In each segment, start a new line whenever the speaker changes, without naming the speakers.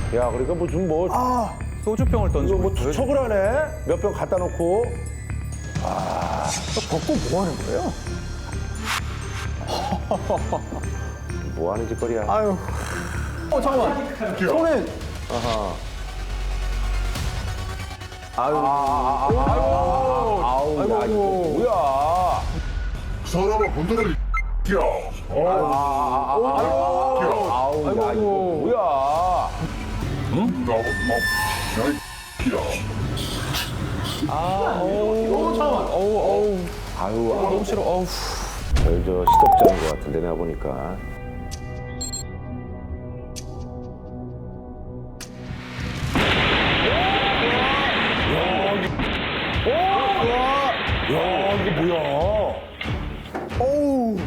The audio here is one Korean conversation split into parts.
야, 그러니까 무슨 뭐,
소주병을
이거
던지고
뭐
있어요.
투척을 하네? 몇 병 갖다 놓고.
벚꽃 뭐 하는 거예요?
뭐 하는 짓거리야.
아유. 잠깐만. 손에.
아우, 야, 이거 뭐야.
사람을 건드릴 야.
아우, 야, 이거 뭐야.
나와.
아유, 너무 싫어. 저희 저 시덥잖은 것 같은데, 내가 보니까. 야, 이게 뭐야.
어우.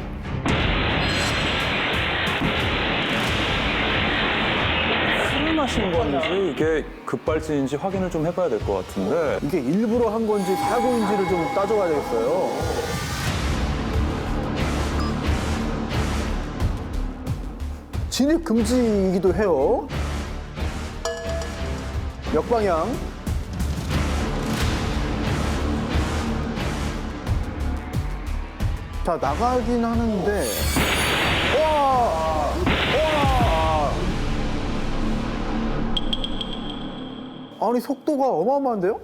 술을 마신 건지 이게 급발진인지 확인을 좀 해봐야 될 것 같은데.
이게 일부러 한 건지 사고인지를 좀 따져봐야 되겠어요. 진입 금지이기도 해요. 역방향. 자, 나가긴 하는데. 와! 와! 아니, 속도가 어마어마한데요?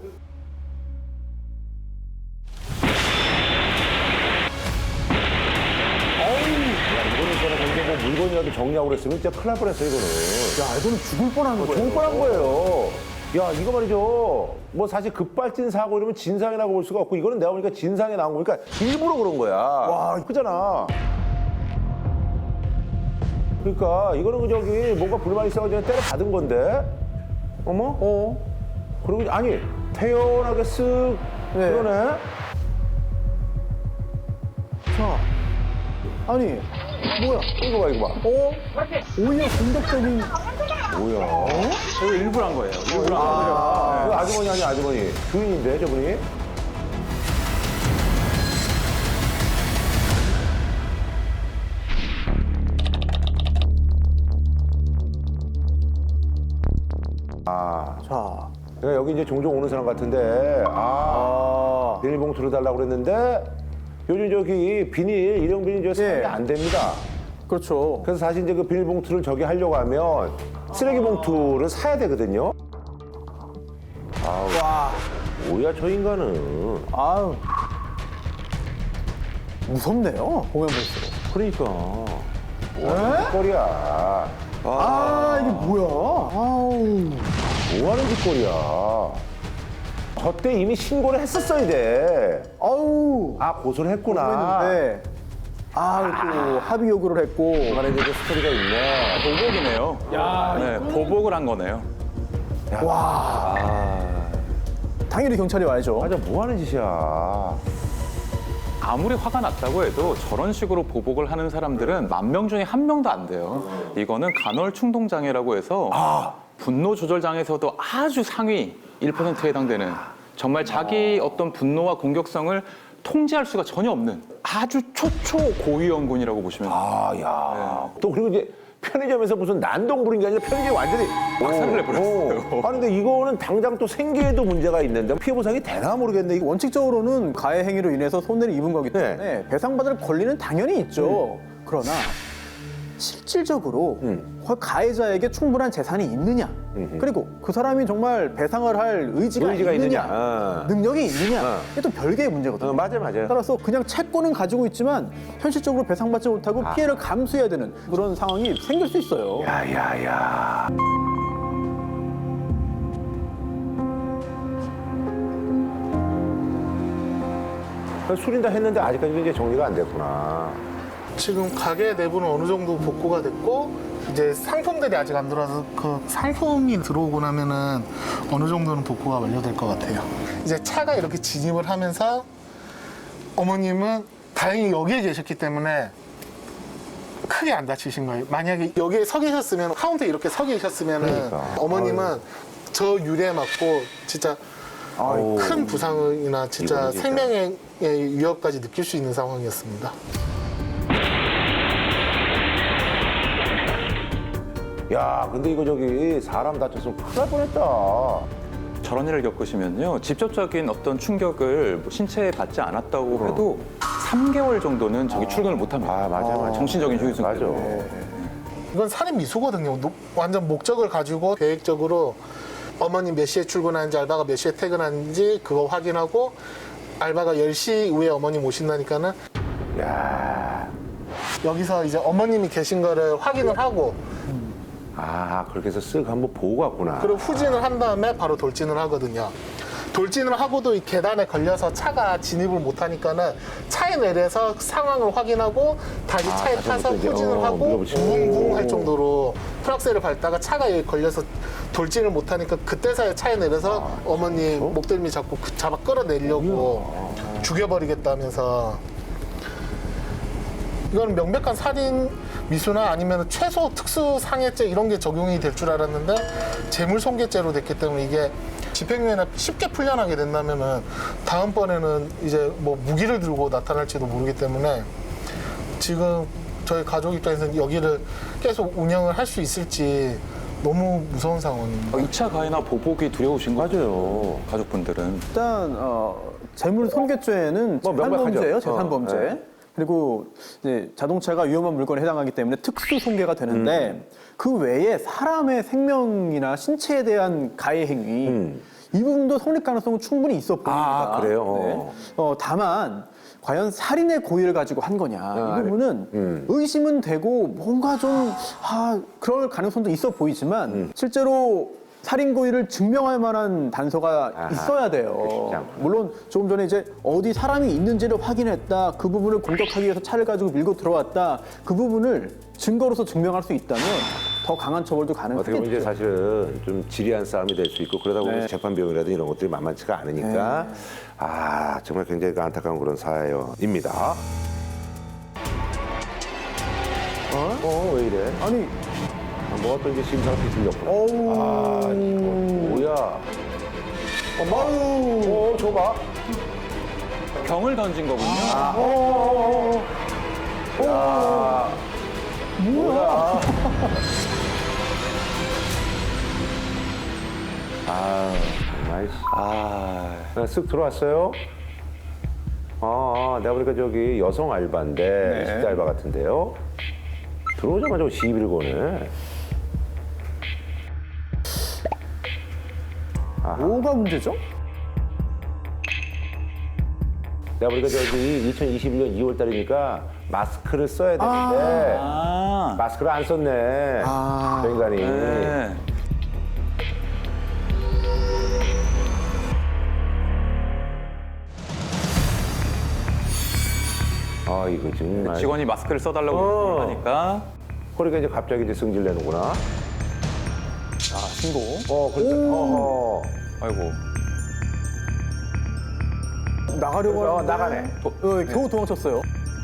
이거는 저는 근데 뭐 물건이라도 정리하고 그랬으면 진짜 큰일 날 뻔했어, 이거는.
야, 이거는 죽을 뻔한 거예요.
좋을 뻔한 거예요. 야, 이거 말이죠. 뭐 사실 급발진 사고 이러면 진상이라고 볼 수가 없고, 이거는 내가 보니까 진상에 나온 거니까 일부러 그런 거야. 와, 크잖아. 그러니까 이거는 그 저기 뭔가 불만이 있어가지고 때려 받은 건데. 어머? 그리고 아니 태연하게 쓱
네.
그러네.
자, 아니, 뭐야?
이거 봐, 이거 봐.
오히려 공격적인.
뭐야?
이거 일부러 한 거예요. 일부러 한 거예요.
그 아주머니 아니야, 아주머니. 주인인데, 저분이.
자,
내가 여기 이제 종종 오는 사람 같은데, 비닐봉투를 달라고 그랬는데, 요즘 저기 비닐, 일용 비닐 저 사용이
예.
안 됩니다.
그렇죠.
그래서 사실 이제 그 비닐봉투를 저기 하려고 하면 쓰레기 봉투를 사야 되거든요.
와,
뭐야, 저 인간은.
아유. 무섭네요, 보면 볼수록.
그러니까. 뭐하는 짓거리야.
이게 뭐야? 아우.
뭐하는 짓거리야. 저 때 이미 신고를 했었어야 돼.
아우.
고소를 했구나.
했는데. 또 합의 요구를 했고.
그만에 대해서 스토리가 있네.
보복이네요. 네, 보복을 한 거네요.
당연히 경찰이 와야죠.
맞아, 뭐하는 짓이야.
아무리 화가 났다고 해도 저런 식으로 보복을 하는 사람들은 10,000명 중에 1명도 안 돼요. 이거는 간헐 충동 장애라고 해서 분노 조절 장애에서도 아주 상위 1%에 해당되는 정말 자기 어떤 분노와 공격성을 통제할 수가 전혀 없는 아주 초초 고위험군이라고 보시면 돼요.
야. 또 그리고 이제 편의점에서 무슨 난동 부린 게 아니라 편의점이 완전히
박살을 내버렸어요.
아니 근데 이거는 당장 또 생계에도 문제가 있는데 피해 보상이 되나 모르겠네. 이거
원칙적으로는 가해 행위로 인해서 손해를 입은 거기 때문에 배상받을 권리는 당연히 있죠. 그러나 실질적으로 가해자에게 충분한 재산이 있느냐, 그리고 그 사람이 정말 배상을 할 의지가 있느냐, 능력이 있느냐, 이게 또 별개의 문제거든요.
맞아요.
따라서 그냥 채권은 가지고 있지만 현실적으로 배상받지 못하고 피해를 감수해야 되는 그런 상황이 생길 수 있어요.
야야야. 술인다 했는데 아직까지도 이제 정리가 안 됐구나.
지금 가게 내부는 어느 정도 복구가 됐고 이제 상품들이 아직 안 들어와서 그 상품이 들어오고 나면은 어느 정도는 복구가 완료될 것 같아요. 이제 차가 이렇게 진입을 하면서 어머님은 다행히 여기에 계셨기 때문에 크게 안 다치신 거예요. 만약에 여기에 서 계셨으면 카운터에 이렇게 서 계셨으면은
그러니까.
어머님은 저 유리에 맞고 진짜 큰 부상이나 진짜
이거는 진짜.
생명의 위협까지 느낄 수 있는 상황이었습니다.
야, 근데 이거 저기 사람 다쳤으면 큰일 날 뻔했다.
저런 일을 겪으시면요. 직접적인 어떤 충격을 뭐 신체에 받지 않았다고 해도 3개월 정도는 저기 출근을 못 합니다.
아, 맞아.
정신적인 휴유증
맞아.
때문에.
이건 살인 미수거든요. 완전 목적을 가지고 계획적으로 어머님 몇 시에 출근하는지 알바가 몇 시에 퇴근하는지 그거 확인하고 알바가 10시 이후에 어머님 오신다니까는
야,
여기서 이제 어머님이 계신 거를 확인을 하고
아, 그렇게 해서 쓱 한번 보고 갔구나.
그리고 후진을 한 다음에 바로 돌진을 하거든요. 돌진을 하고도 이 계단에 걸려서 차가 진입을 못 하니까는 차에 내려서 상황을 확인하고 다시 차에
다시
타서
한번 또 이제,
후진을 하고
밀어붙이고.
붕붕 할 정도로 프락셀을 밟다가 차가 여기 걸려서 돌진을 못 하니까 그때서야 차에 내려서 어머니 목덜미 잡고 잡아 끌어내려고 죽여버리겠다면서 이건 명백한 살인 미수나 아니면 최소 특수상해죄 이런 게 적용이 될 줄 알았는데 재물손괴죄로 됐기 때문에 이게 집행유예나 쉽게 풀려나게 된다면은 다음번에는 이제 뭐 무기를 들고 나타날지도 모르기 때문에 지금 저희 가족 입장에서는 여기를 계속 운영을 할 수 있을지 너무 무서운 상황입니다.
2차 가해나 보복이 두려우신 거죠?
맞아요.
가족분들은.
일단 재물 손괴죄는
뭐 명백하죠.
재산범죄예요. 재산범죄.
네.
그리고 이제 자동차가 위험한 물건에 해당하기 때문에 특수 손괴가 되는데 그 외에 사람의 생명이나 신체에 대한 가해 행위 이 부분도 성립 가능성은 충분히 있어 보입니다.
아, 그래요?
다만 과연 살인의 고의를 가지고 한 거냐 이 부분은 의심은 되고 뭔가 좀 그럴 가능성도 있어 보이지만 실제로 살인 고의를 증명할 만한 단서가 있어야 돼요.
쉽지 않구나.
물론 조금 전에 이제 어디 사람이 있는지를 확인했다, 그 부분을 공격하기 위해서 차를 가지고 밀고 들어왔다, 그 부분을 증거로서 증명할 수 있다면 더 강한 처벌도
어떻게 보면 이제
가능하겠죠.
사실은 좀 지리한 싸움이 될 수 있고 그러다 보면
네.
재판 비용이라든지 이런 것들이 만만치가 않으니까 아, 정말 굉장히 안타까운 그런 사연입니다. 왜 이래?
아니,
뭐가 또 이제 심사가 뒤틀렸구나. 아, 이거 뭐야? 아유, 줘봐.
병을 던진 거군요.
야, 뭐야? 아, 정말. 쓱 들어왔어요. 내가 보니까 저기 여성 알바인데, 20대 알바 같은데요. 들어오자마자 시비를 거네.
뭐가 문제죠?
내가 보니까 저기 2021년 2월 달이니까 마스크를 써야 되는데 마스크를 안 썼네. 저 인간이.
네.
이거 정말.
직원이 마스크를 써달라고 하니까
그러니까 이제 갑자기 이제 승질 내는구나.
신고.
그러니까.
아이고.
나가려고 하는데
나가네.
겨우 도망쳤어요.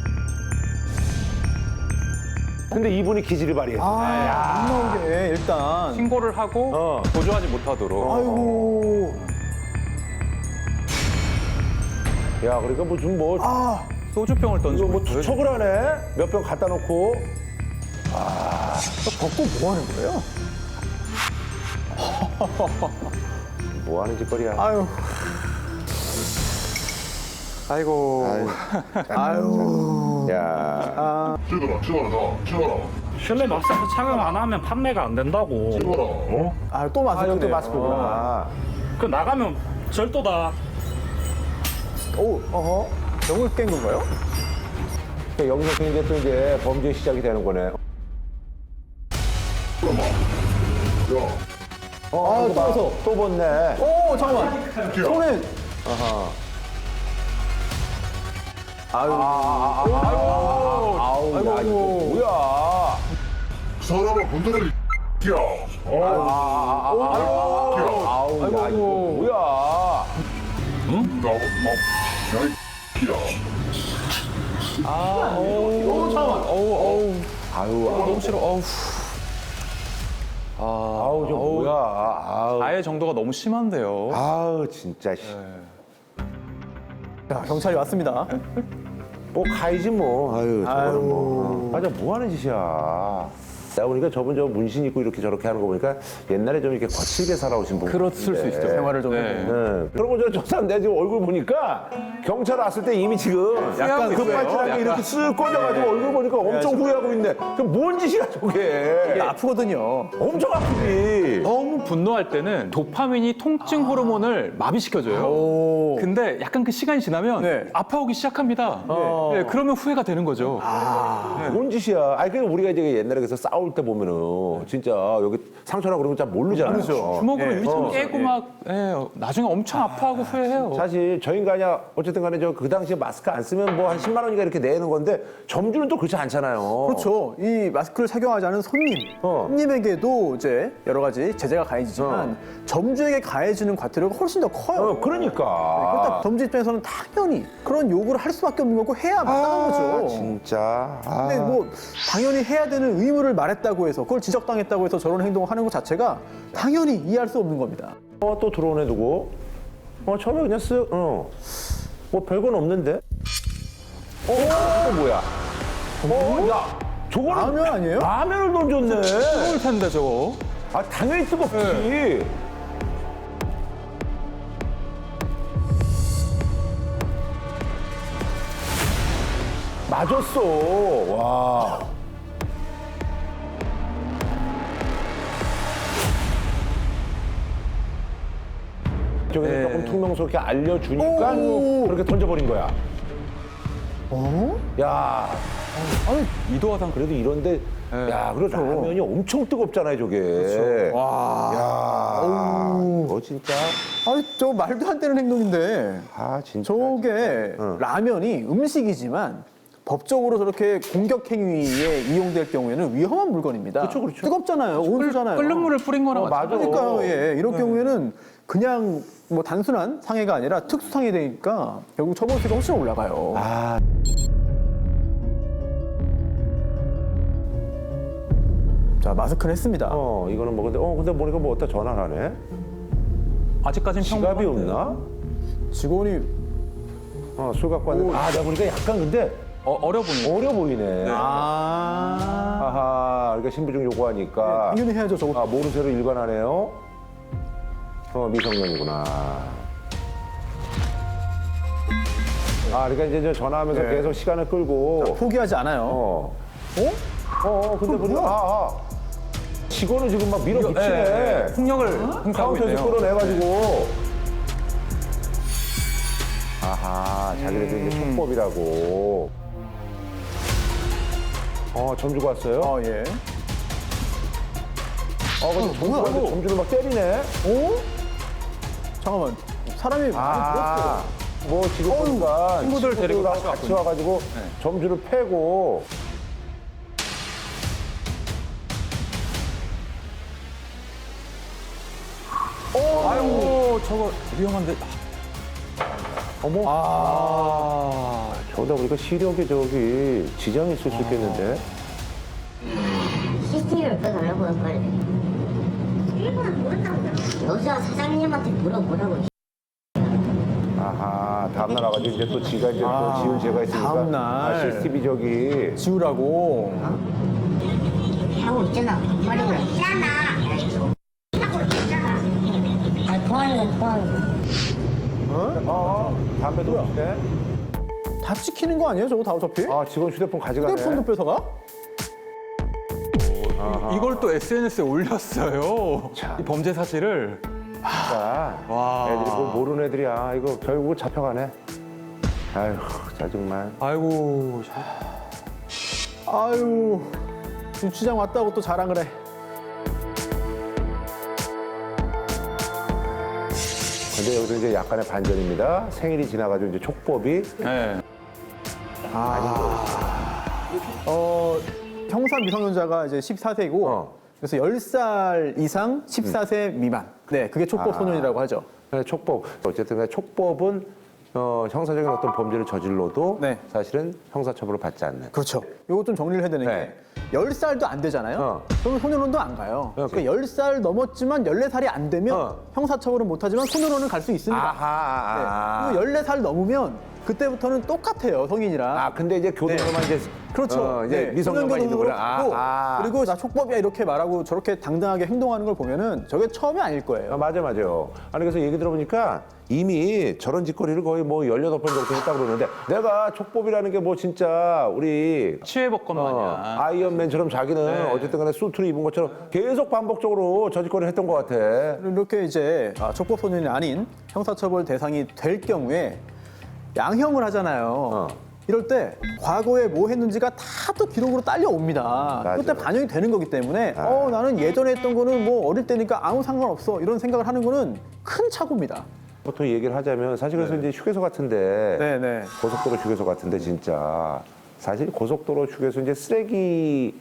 근데 이분이 기질을 발휘했어.
안 나오게 일단.
신고를 하고 도주하지 못하도록.
아이고.
야, 그러니까 무슨 뭐,
소주병을
이거
던지고
뭐
있어요.
투척을 하네? 몇 병 갖다 놓고.
벗고 뭐 하는 거예요?
뭐 하는 짓거리야.
아유.
아이고.
야.
찍어라.
실내 마스크 착용 안 하면 판매가 안 된다고.
찍어라.
또 마스크.
여기 또 마스크구나.
그 나가면 절도다.
병을 깬 건가요?
그러니까 여기서 이제 또 이제 범죄 시작이 되는 거네.
떠서.
또 벗네.
잠깐만. 손에.
아우, 야, 이거 뭐야.
사람을 건드릴 야.
아우, 야, 이거 뭐야.
너무 싫어.
아우, 저 뭐야. 아우.
가해 정도가 너무 심한데요.
아우, 진짜. 씨.
자, 경찰이 왔습니다.
뭐 가야지 뭐. 아유, 저거는 뭐. 맞아, 뭐 하는 짓이야. 나 보니까 저분 저 문신 입고 이렇게 저렇게 하는 거 보니까 옛날에 좀 이렇게 거칠게 살아오신 분.
그렇을 수 있죠.
생활을 좀
네.
해보고.
네. 그러고 저 사람 내 지금 얼굴 보니까 경찰 왔을 때 이미 지금 약간
후회하고
급발진한 게
있어요.
이렇게 쓱 꺼져가지고 얼굴 보니까 엄청 후회하고 있네. 그럼 뭔 짓이야 저게?
이게 아프거든요.
엄청 아프지.
너무 분노할 때는 도파민이 통증 호르몬을 마비시켜줘요. 근데 약간 그 시간이 지나면
네.
아파오기 시작합니다. 네, 그러면 후회가 되는 거죠.
뭔 짓이야? 아니 그냥 우리가 이제 옛날에 그래서 싸울 때 보면은 진짜 여기 상처나 그런 거 잘 모르잖아요.
모르죠.
주먹으로
예.
일참 깨고 막 나중에 엄청 아파하고 후회해요.
사실 저 인간이야 어쨌든 간에 저 그 당시에 마스크 안 쓰면 뭐 한 10만 원인가 이렇게 내는 건데 점주는 또 그렇지 않잖아요.
그렇죠. 이 마스크를 착용하지 않은 손님, 손님에게도 이제 여러 가지 제재가 가해지지만 점주에게 가해지는 과태료가 훨씬 더 커요.
그러니까.
그렇다 점주 입장에서는 당연히 그런 요구를 할 수밖에 없는 거고 해야 마땅한 거죠.
진짜.
근데 뭐 당연히 해야 되는 의무를 말했다고 해서 그걸 지적당했다고 해서 저런 행동을 하는 것 자체가 당연히 이해할 수 없는 겁니다.
또 들어오네 누구? 처음에 그냥 쓱. 뭐 별건 없는데. 이거 뭐야? 야, 저거는
라면 아니에요?
라면을 던졌네.
뜨거울 텐데 저거.
아, 당연히 뜨겁지. 맞았어. 와. 저기서 조금 퉁명스럽게 알려주니까 그렇게 던져버린 거야. 야,
이도화상
그래도 이런데, 야, 그리고 라면이 엄청 뜨겁잖아요, 저게.
와,
야, 진짜.
아니 저 말도 안 되는 행동인데
아, 진짜.
저게 라면이 음식이지만 법적으로 저렇게 공격 행위에 이용될 경우에는 위험한 물건입니다.
그렇죠, 그렇죠.
뜨겁잖아요, 온수잖아요.
끓는 물을 뿌린 거랑
맞아.
그러니까요, 예, 이런 경우에는 그냥 뭐 단순한 상해가 아니라 특수 상해 되니까 결국 처벌수가 훨씬 올라가요.
아,
자, 마스크를 했습니다.
이거는 뭐, 근데 보니까 뭐 어디다 전화를 하네?
아직까지는
지갑이
평범한데.
없나?
직원이
술 갖고 왔는데. 내가 보니까 약간 근데
어려 보이네.
어려 보이네. 아하, 그러니까 신분증 요구하니까.
당연히 해야죠, 저거.
모르쇠로 일관하네요. 미성년이구나. 그러니까 이제 저 전화하면서
네.
계속 시간을 끌고.
포기하지 않아요.
근데
그럼
보니까,
뭐야?
직원을 지금 막 밀어붙이네.
폭력을 행사하고
카운터에서
있네요.
끌어내가지고. 아하, 자기네들 이제 촉법이라고. 점주가 왔어요?
예.
근데
뭐야, 이거?
점주를 막 때리네?
잠깐만, 사람이 많이 들었어요.
뭐 지금 보니까
친구들 데리고
친구들하고 같이
왔군요.
와가지고 점주를 패고.
아이고 저거 위험한데.
저러다 보니까 시력에 저기 지장이 있을 수 있겠는데?
CCTV를 빼달라고 해 빨리. 일본은 모른다고. 여자 사장님한테 물어보라고.
아하, 다음날 와가지고 이제 또 지가 이제 또 지은 죄가 있으니까.
다음날.
CCTV 저기.
지우라고.
하고 있잖아. 머리를. 있잖아. 하고 있잖아. 보안이는 보안.
담배도 없네.
다 찍히는 거 아니에요, 저거 다 어차피?
직원 휴대폰 가져가네.
휴대폰도 뺏어가?
이걸 또 SNS에 올렸어요.
참.
이 범죄 사실을.
진짜.
와.
애들이 뭐 모르는 애들이야. 이거 결국 잡혀가네. 아휴, 짜증만.
아이고.
아유, 주차장 왔다고 또 자랑을 해.
근데 여기서 이제 약간의 반전입니다. 생일이 지나가지고 이제 촉법이.
네.
형사 미성년자가 이제 14세이고, 그래서 10살 이상 14세 미만. 네, 그게 촉법 소년이라고 하죠.
네, 촉법. 어쨌든 간에 촉법은 형사적인 어떤 범죄를 저질러도
네.
사실은 형사처벌을 받지 않는.
그렇죠. 요거 좀 정리를 해야 되는
네.
게 10살도 안 되잖아요. 그러면 소년원도 안 가요.
네,
그러니까 10살 넘었지만 14살이 안 되면 형사처벌은 못하지만 소년원은 갈 수 있습니다.
아하.
네. 그리고 14살 넘으면 그때부터는 똑같아요, 성인이랑.
근데 이제 교도소만 이제
그렇죠.
이제
네,
미성년만 있는 거라.
그렇고, 그리고 나 촉법이야 이렇게 말하고 저렇게 당당하게 행동하는 걸 보면은 저게 처음이 아닐 거예요.
맞아. 아니 그래서 얘기 들어보니까 이미 저런 짓거리를 거의 뭐 18번 정도 했다고 그러는데 내가 촉법이라는 게 뭐 진짜 우리
치외법권 마냥.
아이언맨처럼 자기는 어쨌든 간에 수트를 입은 것처럼 계속 반복적으로 저 짓거리를 했던 것 같아.
이렇게 이제 촉법 소년이 아닌 형사처벌 대상이 될 경우에 양형을 하잖아요. 이럴 때 과거에 뭐 했는지가 다 또 기록으로 딸려옵니다.
맞아.
그때 반영이 되는 거기 때문에 나는 예전에 했던 거는 뭐 어릴 때니까 아무 상관없어 이런 생각을 하는 거는 큰 착오입니다.
보통 얘기를 하자면 사실 그래서 이제 휴게소 같은데
네네.
고속도로 휴게소 같은데 진짜 사실 고속도로 휴게소 이제 쓰레기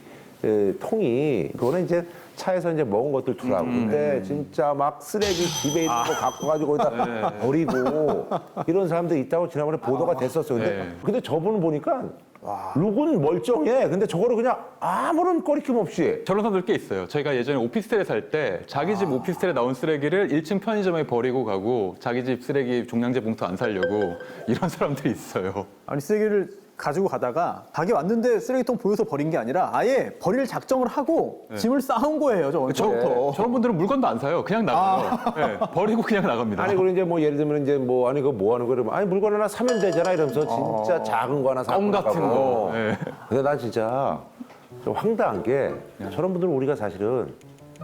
통이 그거는 이제 차에서 이제 먹은 것들 두라고. 근데 진짜 막 쓰레기 집에 있는 거 갖고 가지고 거기다 버리고 이런 사람들 있다고 지난번에 보도가 됐었어요. 근데 저분은 보니까 룩은 멀쩡해. 근데 저거를 그냥 아무런 꺼리낌 없이.
저런 사람들 꽤 있어요. 저희가 예전에 오피스텔에 살 때 자기 집 오피스텔에 나온 쓰레기를 1층 편의점에 버리고 가고 자기 집 쓰레기 종량제 봉투 안 살려고 이런 사람들이 있어요.
아니 쓰레기를 가지고 가다가 가게 왔는데 쓰레기통 보여서 버린 게 아니라 아예 버릴 작정을 하고 짐을 쌓은 거예요. 저부터.
저런 분들은 물건도 안 사요. 그냥 나가요. 네, 버리고 그냥 나갑니다.
아니 그리고 이제 뭐 예를 들면 이제 뭐 아니 그거 뭐 하는 거를 아니 물건 하나 사면 되잖아 이러면서 진짜 작은 거 하나 사고
껌 같은
나가고.
거. 네.
근데 난 진짜 좀 황당한 게 저런 분들은 우리가 사실은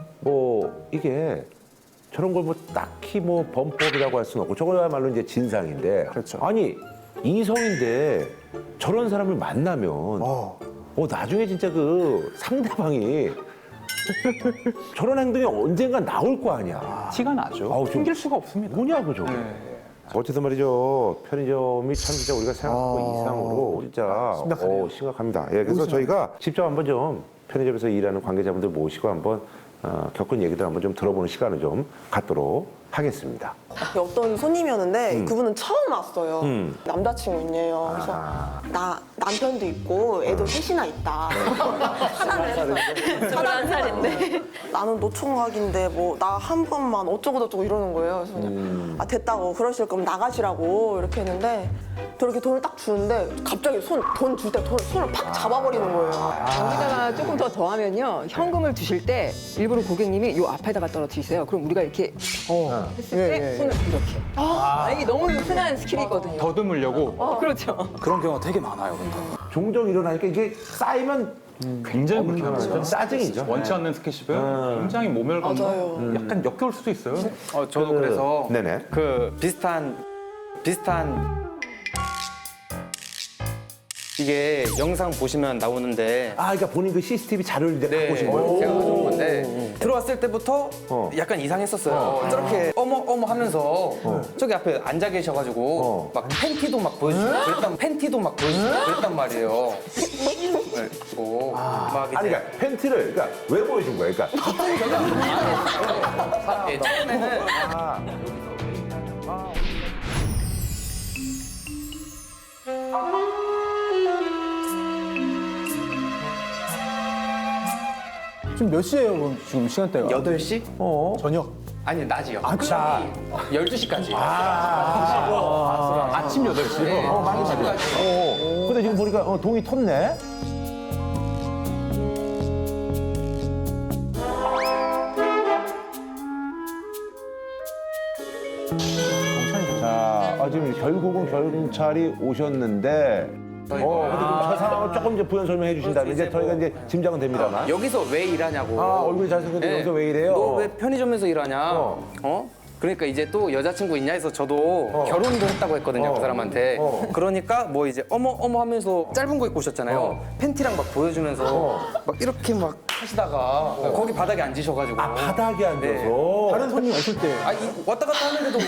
뭐 이게 저런 걸 뭐 딱히 뭐 범법이라고 할 수는 없고 저거야말로 이제 진상인데
그렇죠.
아니 이성인데 저런 사람을 만나면 나중에 진짜 그 상대방이 저런 행동이 언젠가 나올 거 아니야.
티가 나죠.
아우, 좀-
숨길 수가 없습니다.
뭐냐고 저게. 어쨌든 말이죠. 편의점이 참 진짜 우리가 생각한 거 이상으로 진짜 심각합니다. 예, 그래서 저희가 직접 한번 좀 편의점에서 일하는 관계자분들 모시고 한번 겪은 얘기들 한번 좀 들어보는 시간을 좀 갖도록 하겠습니다.
어떤 손님이었는데 그분은 처음 왔어요. 남자친구 있네요. 그래서 나 남편도 있고 애도 셋이나 있다. 차단을 했어. 차단살인데 나는 노총각인데 뭐 나 한 번만 어쩌고 저쩌고 이러는 거예요. 그래서 그냥 아 됐다고 그러실 거면 나가시라고 이렇게 했는데 저렇게 돈을 딱 주는데 갑자기 돈 줄 때 손을 팍 잡아버리는 거예요.
여기다가 조금 더 더하면요. 현금을 주실 때 일부러 고객님이 요 앞에다가 떨어뜨리세요. 그럼 우리가 이렇게 했을 때 손을 이렇게. 이게 너무 흔한 스킬이거든요.
더듬으려고.
그렇죠.
그런 경우가 되게 많아요. 근데.
종종 일어나니까 이게 쌓이면
굉장히 불편하죠.
짜증이죠.
원치 않는 스킨십은 굉장히 모멸감과
맞아요.
약간 역겨울 수도 있어요.
저도 그래서
네네.
그 비슷한 이게 영상 보시면 나오는데
그러니까 본인 그 CCTV 자료를 이제 갖고 오신 거예요.
제가 가져온 건데 들어왔을 때부터 약간 이상했었어요. 저렇게 어머 하면서 저기 앞에 앉아 계셔가지고 막 팬티도 막 보여주고 그랬단 말이에요. 네, 그리고 막 이제
아니 그러니까 팬티를 그러니까 왜 보여준 거예요? 그러니까
처음에는
지금 몇 시예요? 그럼 지금 시간대가?
8시?
저녁.
아니 낮이요.
자,
12시까지.
아침 8시.
네, 12시까지.
근데 지금 보니까 동이 텄네. 자, 지금 결국은 경찰이 오셨는데, 근데 저 상황을 조금 이제 부연 설명해 주신다면 이제 저희가 이제 짐작은 됩니다만.
여기서 왜 일하냐고.
얼굴이 잘생겼는데
네.
여기서 왜 이래요?
너 왜 편의점에서 일하냐? 그러니까 이제 또 여자친구 있냐 해서 저도 결혼도 했다고 했거든요, 그 사람한테. 그러니까 뭐 이제 어머 하면서 짧은 거 입고 오셨잖아요. 팬티랑 막 보여주면서 막 이렇게 막 하시다가 거기 바닥에 앉으셔가지고.
바닥에 앉아서.
다른 손님 없을 때.
왔다 갔다 하는데도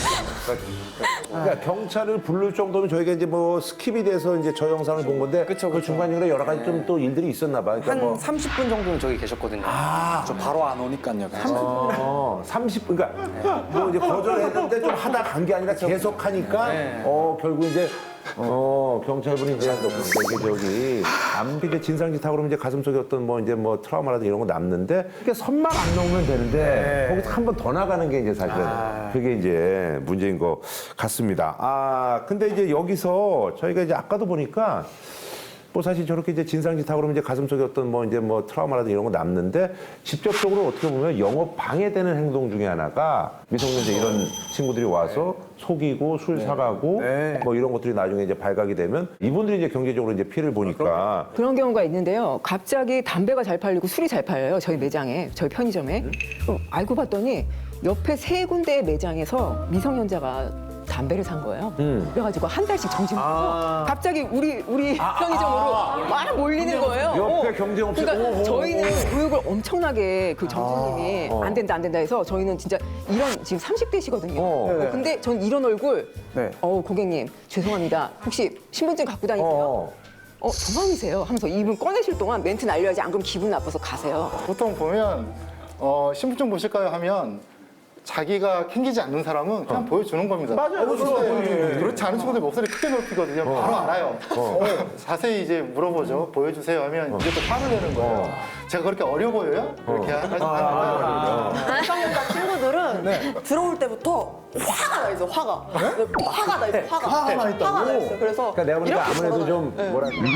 그러니까 경찰을 부를 정도면 저희가 이제 뭐 스킵이 돼서 이제 저 영상을 본 건데
그쵸.
그 중간중간에 여러 가지 좀 또 일들이 있었나 봐요. 그러니까
한 30분 정도는 저기 계셨거든요.
저 바로 안 오니까요.
30분, 그러니까 뭐 이제 거절했는데 좀 하다 간 게 아니라 계속 하니까 결국 이제 경찰분이 이제 이게 저기 남비게 진상짓하고 그러면 이제 가슴속에 어떤 뭐 이제 뭐 트라우마라든지 이런 거 남는데 이렇게 선만 안 넘으면 되는데 거기서 한 번 더 나가는 게 이제 사실은 그게 이제 문제인 것 같습니다. 근데 이제 여기서 저희가 이제 아까도 보니까 뭐 사실 저렇게 이제 진상짓 하고 그러면 이제 가슴속에 어떤 뭐 이제 뭐 트라우마라든지 이런 거 남는데 직접적으로 어떻게 보면 영업 방해되는 행동 중에 하나가 미성년자 이런 친구들이 와서 속이고 술 사가고 뭐 이런 것들이 나중에 이제 발각이 되면 이분들이 이제 경제적으로 이제 피해를 보니까
그런 경우가 있는데요. 갑자기 담배가 잘 팔리고 술이 잘 팔려요. 저희 매장에, 저희 편의점에. 그럼 알고 봤더니 옆에 3군데의 매장에서 미성년자가 담배를 산 거예요. 그래가지고 한 달씩 정지해서 갑자기 우리 편의점으로 막 몰리는 거예요.
옆에 경쟁업체
그러니까 저희는 교육을 엄청나게 그 점주님이 안 된다 해서 저희는 진짜 이런 지금 30대시거든요. 근데 전 이런 얼굴 고객님 죄송합니다. 혹시 신분증 갖고 다니세요? 도망이세요 하면서 이분 꺼내실 동안 멘트 날려야지 안 그러면 기분 나빠서 가세요.
보통 보면 신분증 보실까요 하면 자기가 캥기지 않는 사람은 그냥 보여주는 겁니다. 맞아요. 그렇지 않은 친구들 목소리 크게 높이거든요. 바로 알아요. 자세히 이제 물어보죠. 보여주세요 하면 이제 또 화를 내는 거예요. 제가 그렇게 어려 보여요? 이렇게 하는 거예요.
미성년자 친구들은 들어올 때부터 화가 나 있어, 화가. 화가 나 있어, 화가.
화가 나 있다고?
화가 나 있어. 그래서
그러니까 내가 보니까
이렇게
아무래도 좀
걸어놔요.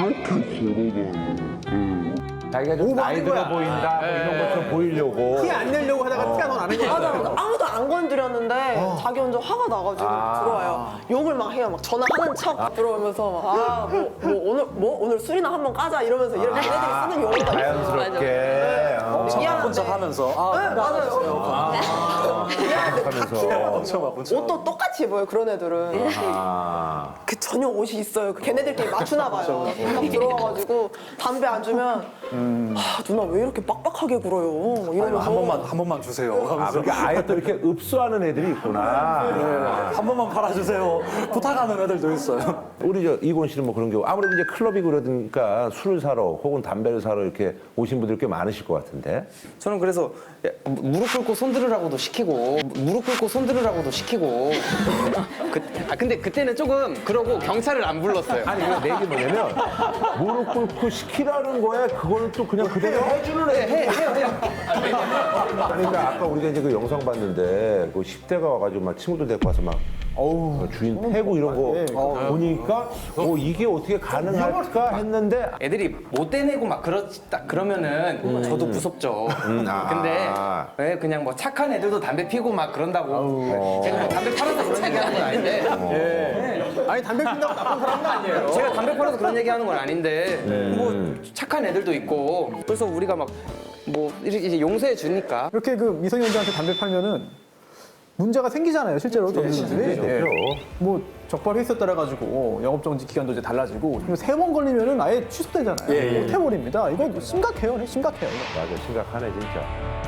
뭐랄까 자기가 좀 나이 들어 보인다 뭐 이런 것처럼 보이려고
티 안 내려고 하다가 티가 더 나는 거야.
맞아. 아무도 안 건드렸는데 자기 혼자 화가 나가지고 들어와요. 욕을 막 해요. 막 전화하는 척 들어오면서 막, 오늘 술이나 한번 까자 이러면서 이렇게 애들이 쓰는 용어가 있어요.
자연스럽게
미안한데. 하면서 네, 맞아요. 미안한데
하면서
옷도 똑같이 입어요. 그런 애들은 그 전용 옷이 있어요. 그 걔네들끼리 맞추나 봐요. 딱 들어와가지고 담배 안 주면 누나 왜 이렇게 빡빡하게 굴어요? 이러면서
한 번만 주세요.
그러니까 아예 또 이렇게 읍수하는 애들이 있구나.
한 번만 팔아주세요. 부탁하는 애들도 있어요.
우리 저 이곤 씨는 뭐 그런 경우 아무래도 이제 클럽이고 그러니까 술을 사러 혹은 담배를 사러 이렇게 오신 분들 꽤 많으실 것 같은데.
저는 그래서 무릎 꿇고 손 들으라고도 시키고 근데 그때는 조금 그러고 경찰을 안 불렀어요.
아니 이거 내 얘기 뭐냐면 무릎 꿇고 시키라는 거야. 그거는 또 그냥 그대로 해주는 애. 그러니까 아까 우리가 이제 그 영상 봤는데 그 10대가 와가지고 막 친구들 데리고 와서 막 주인 패고 이런 거 보니까 이게 어떻게 가능할까 했는데
애들이 못 떼내고 막 그러면은 저도 무섭죠. 근데 왜 그냥 뭐 착한 애들도 담배 피고 막 그런다고 제가 뭐 담배 팔아서 그런 얘기하는 건 아닌데
아니 담배 핀다고 나쁜 사람은 아니에요.
제가 담배 팔아서 그런 얘기하는 건 아닌데 뭐 착한 애들도 있고 그래서 우리가 막 뭐 이제 용서해 주니까
이렇게 그 미성년자한테 담배 팔면은 문제가 생기잖아요, 실제로 점주들이. 뭐 적발 횟수에 따라 가지고 영업정지 기간도 이제 달라지고 3번 걸리면은 아예 취소되잖아요. 못 해버립니다. 이거 심각해요, 심각해요. 이거.
맞아 심각하네 진짜.